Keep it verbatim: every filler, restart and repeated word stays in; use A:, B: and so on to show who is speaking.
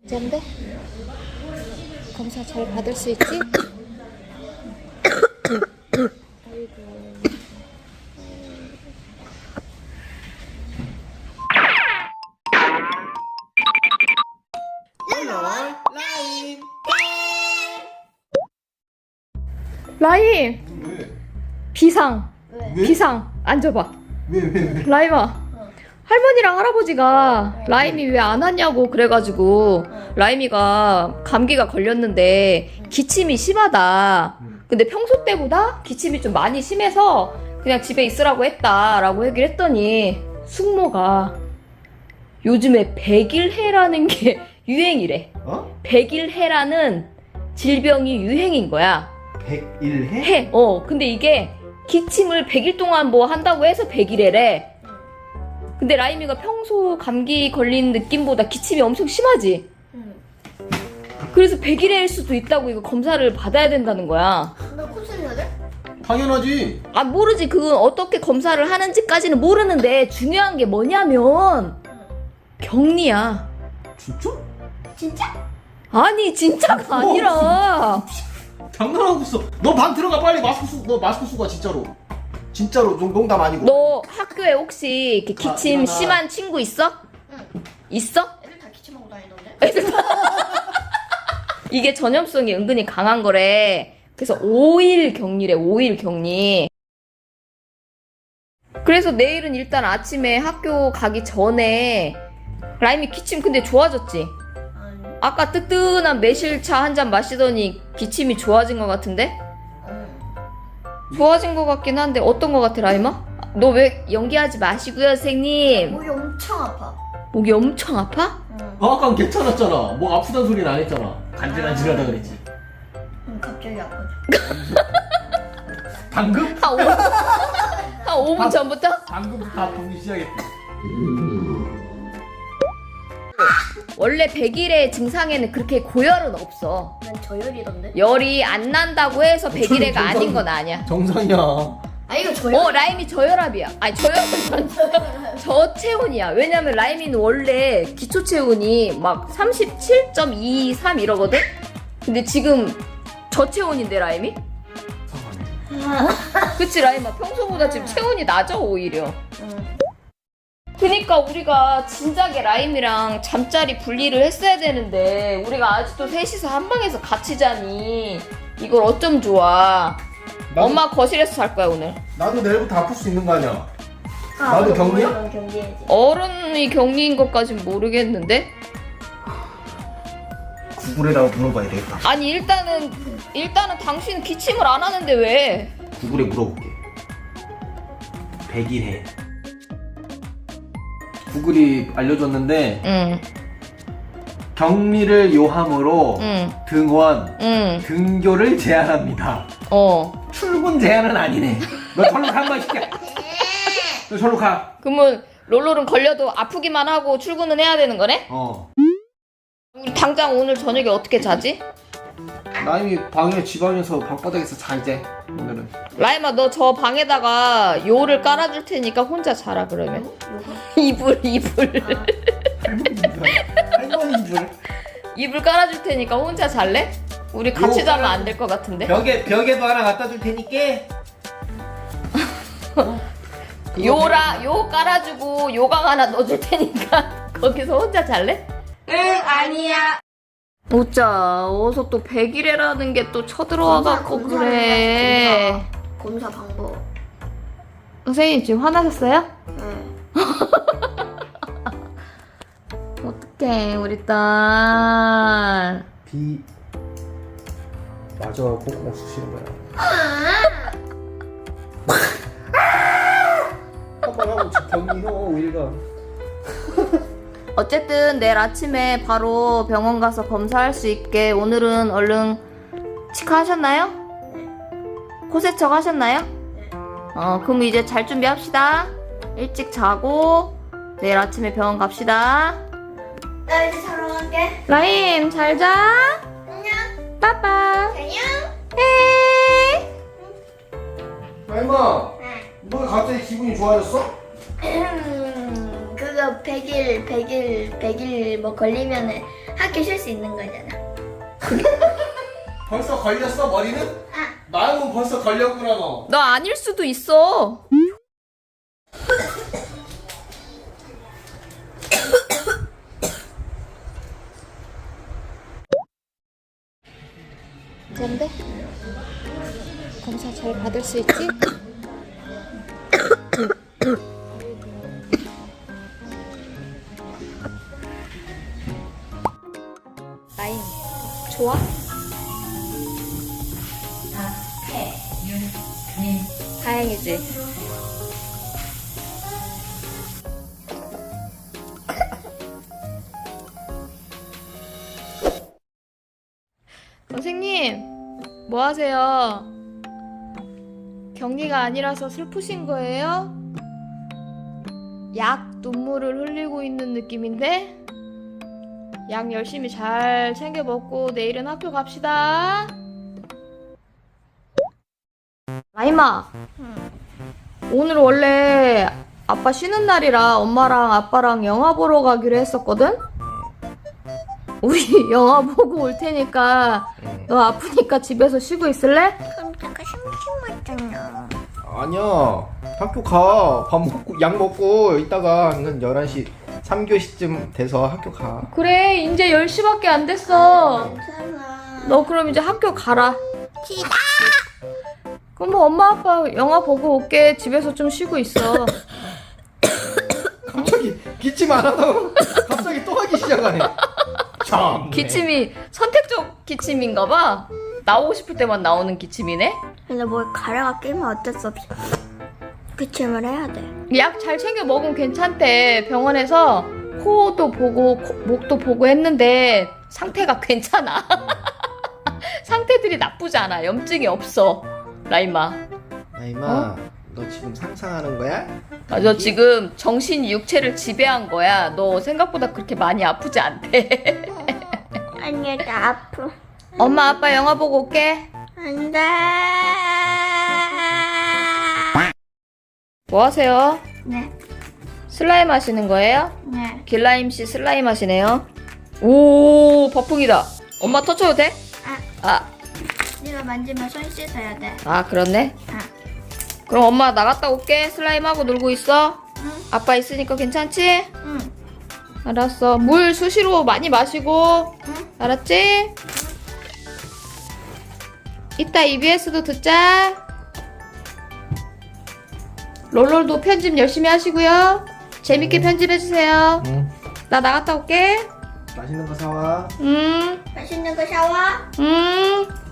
A: 괜찮은데? 검사 잘 받을 수 있지?
B: 라임.
A: 라임!
B: 왜?
A: 비상!
B: 왜?
A: 비상! 앉아봐.
B: 왜, 왜, 왜?
A: 라임아. 할머니랑 할아버지가 라임이 왜 안 왔냐고 그래가지고 라임이가 감기가 걸렸는데 기침이 심하다. 근데 평소 때보다 기침이 좀 많이 심해서 그냥 집에 있으라고 했다라고 얘기를 했더니 숙모가 요즘에 백일해라는 게 유행이래.
B: 어?
A: 백일해라는 질병이 유행인 거야.
B: 백일해?
A: 해. 어. 근데 이게 기침을 백 일 동안 뭐 한다고 해서 백일해래. 근데 라임이가 평소 감기 걸린 느낌보다 기침이 엄청 심하지?
C: 응.
A: 그래서 백일해일 수도 있다고 이거 검사를 받아야 된다는 거야.
C: 나 콘서트 해야 돼?
B: 당연하지.
A: 아, 모르지. 그건 어떻게 검사를 하는지까지는 모르는데 중요한 게 뭐냐면 격리야.
B: 진짜?
C: 진짜?
A: 아니, 진짜가 아니라.
B: 장난하고 있어. 너 방 들어가 빨리 마스크 쓰고. 너 마스크 쓰고 와 진짜로. 진짜로 농- 농담 아니고.
A: 너 학교에 혹시 이렇게 기침
B: 아, 일어나.
A: 심한 친구 있어?
C: 응.
A: 있어?
C: 애들 다 기침하고 다니던데?
A: 이게 전염성이 은근히 강한 거래. 그래서 오 일 격리래, 오 일 격리. 그래서 내일은 일단 아침에 학교 가기 전에 라임이 기침 근데 좋아졌지?
C: 아니.
A: 아까 뜨끈한 매실차 한 잔 마시더니 기침이 좋아진 것 같은데?
C: 응.
A: 좋아진 것 같긴 한데 어떤 것 같아, 라임아? 너 왜 연기하지 마시고요, 선생님.
C: 목이 엄청 아파.
A: 목이 엄청 아파?
C: 응.
B: 아, 아까 괜찮았잖아. 목 아프다는 소리는 안 했잖아. 간질간질하다 그랬지.
C: 응, 갑자기 아파져.
B: 방금?
A: 한 오 분, 한 오 분 전부터?
B: 방금부터 아프기 시작했대.
A: 원래 백일의 증상에는 그렇게 고열은 없어.
C: 난 저열이던데?
A: 열이 안 난다고 해서 백일해가
B: 정상-
A: 아닌 건 아니야.
B: 정상이야.
C: 아 이거 저열?
A: 어, 라임이 저혈압이야. 아니, 저혈압 저체온이야. 왜냐면 라임이는 원래 기초 체온이 막 삼십칠 점 이삼 이러거든? 근데 지금 저체온인데, 라임이? 그치, 라임아? 평소보다 지금 체온이 낮아, 오히려.
C: 응.
A: 그니까 우리가 진작에 라임이랑 잠자리 분리를 했어야 되는데 우리가 아직도 셋이서 한 방에서 같이 자니 이걸 어쩜 좋아.
B: 나도-
A: 엄마 거실에서 잘 거야, 오늘.
B: 나도 내일부터 아플 수 있는 거 아니야?
C: 아,
B: 나도
C: 맞아,
B: 격리야?
C: 넌 격리해야지.
A: 어른이 격리인 것까진 모르겠는데?
B: 구글에다가 물어봐야 되겠다.
A: 아니, 일단은 일단은 당신 기침을 안 하는데 왜?
B: 구글에 물어볼게. 백일해. 구글이 알려줬는데
A: 응,
B: 격리를 요함으로
A: 응,
B: 등원,
A: 응,
B: 등교를 제한합니다.
A: 어.
B: 출근 제한은 아니네. 너 절로 가, 인마, 이 새끼야. 너 절로 가.
A: 그러면 롤롤은 걸려도 아프기만 하고 출근은 해야 되는 거네?
B: 어.
A: 우리 당장 오늘 저녁에 어떻게 자지?
B: 나임이 방에 지방에서 방바닥에서 자 이제 오늘은.
A: 라임아, 너 저 방에다가 요를 깔아줄 테니까 혼자 자라, 그러면. 이불, 이불.
B: 할머니인 줄.
A: 이불 깔아줄 테니까 혼자 잘래? 우리 같이
B: 요
A: 자면 안 될 것 같은데?
B: 벽에 벽에도 하나 갖다 줄 테니까.
A: 요라, 요 깔아주고 요강 하나 넣어줄 테니까 거기서 혼자 잘래?
C: 응, 아니야.
A: 어짜, 어서 또 백일해라는 게 또 쳐들어와갖고
C: 검사,
A: 그래.
C: 검사 방법.
A: 선생님, 지금 화나셨어요?
C: 응.
A: 어떡해, 우리 딸.
B: 비 맞아 콧구멍 쑤시는 거야. 한번 하고 격리해 우리가.
A: 어쨌든 내일 아침에 바로 병원 가서 검사할 수 있게 오늘은 얼른 치과 하셨나요? 코세척 하셨나요? 어, 그럼 이제 잘 준비합시다. 일찍 자고 내일 아침에 병원 갑시다.
C: 나 이제 자러 갈게.
A: 라임, 잘 자.
C: 안녕.
A: 빠빠.
C: 안녕.
A: 에이.
B: 나임아,
C: 응.
B: 너 갑자기 기분이 좋아졌어?
C: 음, 그게 그거 백 일, 백 일, 백 일 뭐 걸리면은 학교 쉴 수 있는 거잖아.
B: 벌써 걸렸어 머리는?
C: 아,
B: 마음은 벌써 걸렸구나 너.
A: 너 아닐 수도 있어. 뭔데? 검사 잘 받을 수 있지? 라인 좋아? 다행이지. 선생님, 뭐 하세요? 격리가 아니라서 슬프신 거예요? 약 눈물을 흘리고 있는 느낌인데? 약 열심히 잘 챙겨 먹고 내일은 학교 갑시다. 라임아, 오늘 원래 아빠 쉬는 날이라 엄마랑 아빠랑 영화 보러 가기로 했었거든? 우리 영화 보고 올 테니까 너 아프니까 집에서 쉬고 있을래?
C: 그럼 내가 심심하잖아.
B: 아니야 학교 가. 밥 먹고 약 먹고 이따가 한 열한 시 삼 교시쯤 돼서 학교 가.
A: 그래, 이제 열 시밖에 안 됐어.
C: 괜찮아.
A: 너 그럼 이제 학교 가라.
C: 싫어.
A: 그럼 뭐 엄마 아빠 영화 보고 올게. 집에서 좀 쉬고 있어.
B: 갑자기 기침 안 하다가 갑자기 또 하기 시작하네. 참.
A: 기침이 선택적 기침인가 봐. 나오고 싶을 때만 나오는 기침이네.
C: 근데 뭘 가래가 끼면 어쩔 수 없이 기침을 해야 돼.
A: 약 잘 챙겨 먹으면 괜찮대. 병원에서 코도 보고 코- 목도 보고 했는데 상태가 괜찮아. 상태들이 나쁘지 않아. 염증이 없어. 라임아.
B: 나이마,
A: 어?
B: 너 지금 상상하는 거야?
A: 아, 너 지금 정신이 육체를 지배한 거야. 너 생각보다 그렇게 많이 아프지 않대.
C: 아니야, 나 아파.
A: 엄마 아빠 영화 보고 올게.
C: 안 돼.
A: 뭐 하세요?
C: 네,
A: 슬라임 하시는 거예요?
C: 네.
A: 길라임 씨 슬라임 하시네요. 오, 버풍이다. 엄마 터쳐도 돼?
C: 아,
A: 아,
C: 네가 만지면 손 씻어야 돼.
A: 아 그렇네.
C: 아,
A: 그럼 엄마 나갔다 올게. 슬라임 하고 놀고 있어.
C: 응,
A: 아빠 있으니까 괜찮지?
C: 응,
A: 알았어. 물 수시로 많이 마시고.
C: 응.
A: 알았지? 이따 이비에스도 듣자. 롤롤도 편집 열심히 하시고요. 재밌게 편집해주세요.
B: 응.
A: 나 나갔다 올게.
B: 맛있는 거 사와.
A: 음,
C: 맛있는 거 샤워.
A: 음.